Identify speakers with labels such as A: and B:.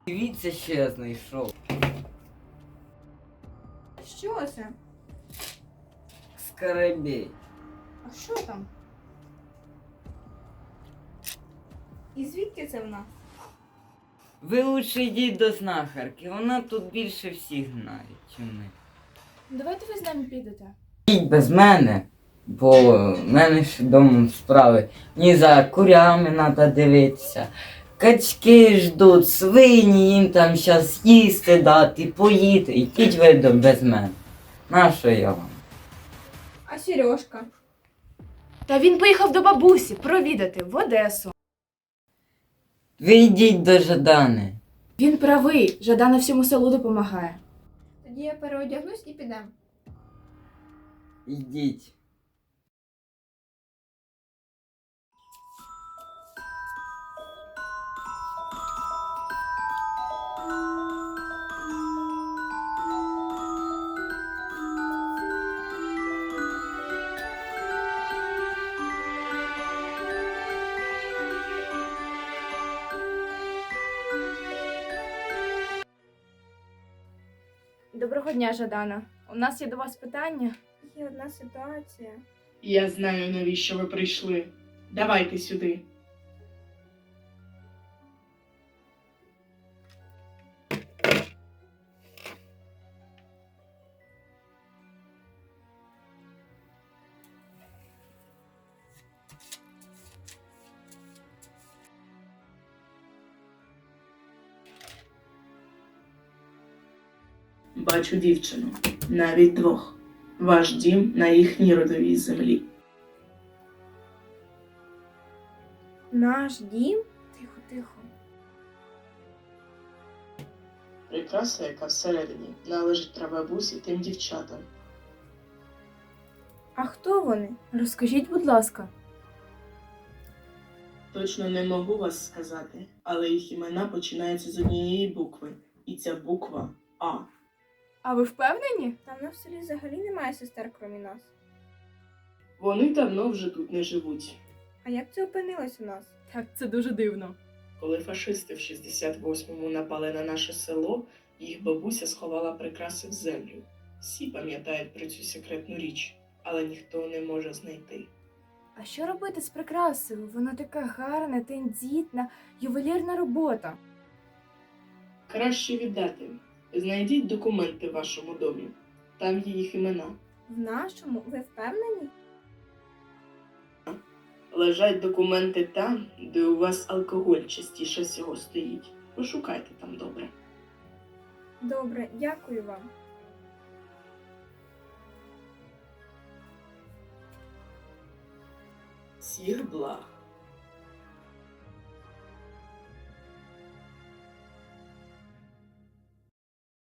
A: Дивіться, що я знайшов.
B: Що це?
A: Скарабей.
B: А що там? І звідки це вона?
A: Ви лучше йдіть до знахарки, вона тут більше всіх знає, чим ми.
B: Давайте ви з нами підете.
A: Йдіть без мене, бо в мене ще домом справи. Мені за курями треба дивитися. Качки ждуть, свині, їм там щас їсти дати, поїти. Йдіть ви без мене. Нащо я вам?
B: А Сережка?
C: Та він поїхав до бабусі провідати в Одесу.
A: Ви йдіть до Жадани.
C: Він правий, Жадана всьому селу допомагає.
B: Тоді я переодягнусь і підемо.
A: Йдіть.
C: Доброго дня, Жадана. У нас є до вас питання.
B: Є одна ситуація.
D: Я знаю, навіщо ви прийшли. Давайте сюди. Бачу дівчину, навіть двох. Ваш дім на їхній родовій землі.
B: Наш дім? Тихо, тихо.
D: Прикраса, яка всередині, належить прабабусі тим дівчатам.
B: А хто вони?
C: Розкажіть, будь ласка.
D: Точно не можу вас сказати, але їх імена починаються з однієї букви. І ця буква А.
C: А ви впевнені?
B: Там на в селі взагалі немає сестер, крім нас.
D: Вони давно вже тут не живуть.
B: А як це опинилось у нас?
C: Так, це дуже дивно.
D: Коли фашисти в 68-му напали на наше село, їх бабуся сховала прикраси в землю. Всі пам'ятають про цю секретну річ, але ніхто не може знайти.
C: А що робити з прикрасою? Вона така гарна, тендітна, ювелірна робота.
D: Краще віддати. Знайдіть документи в вашому домі. Там є їх імена.
B: В нашому? Ви впевнені?
D: Лежать документи там, де у вас алкоголь частіше всього стоїть. Пошукайте там добре.
B: Добре, дякую вам.
D: Всіх благ.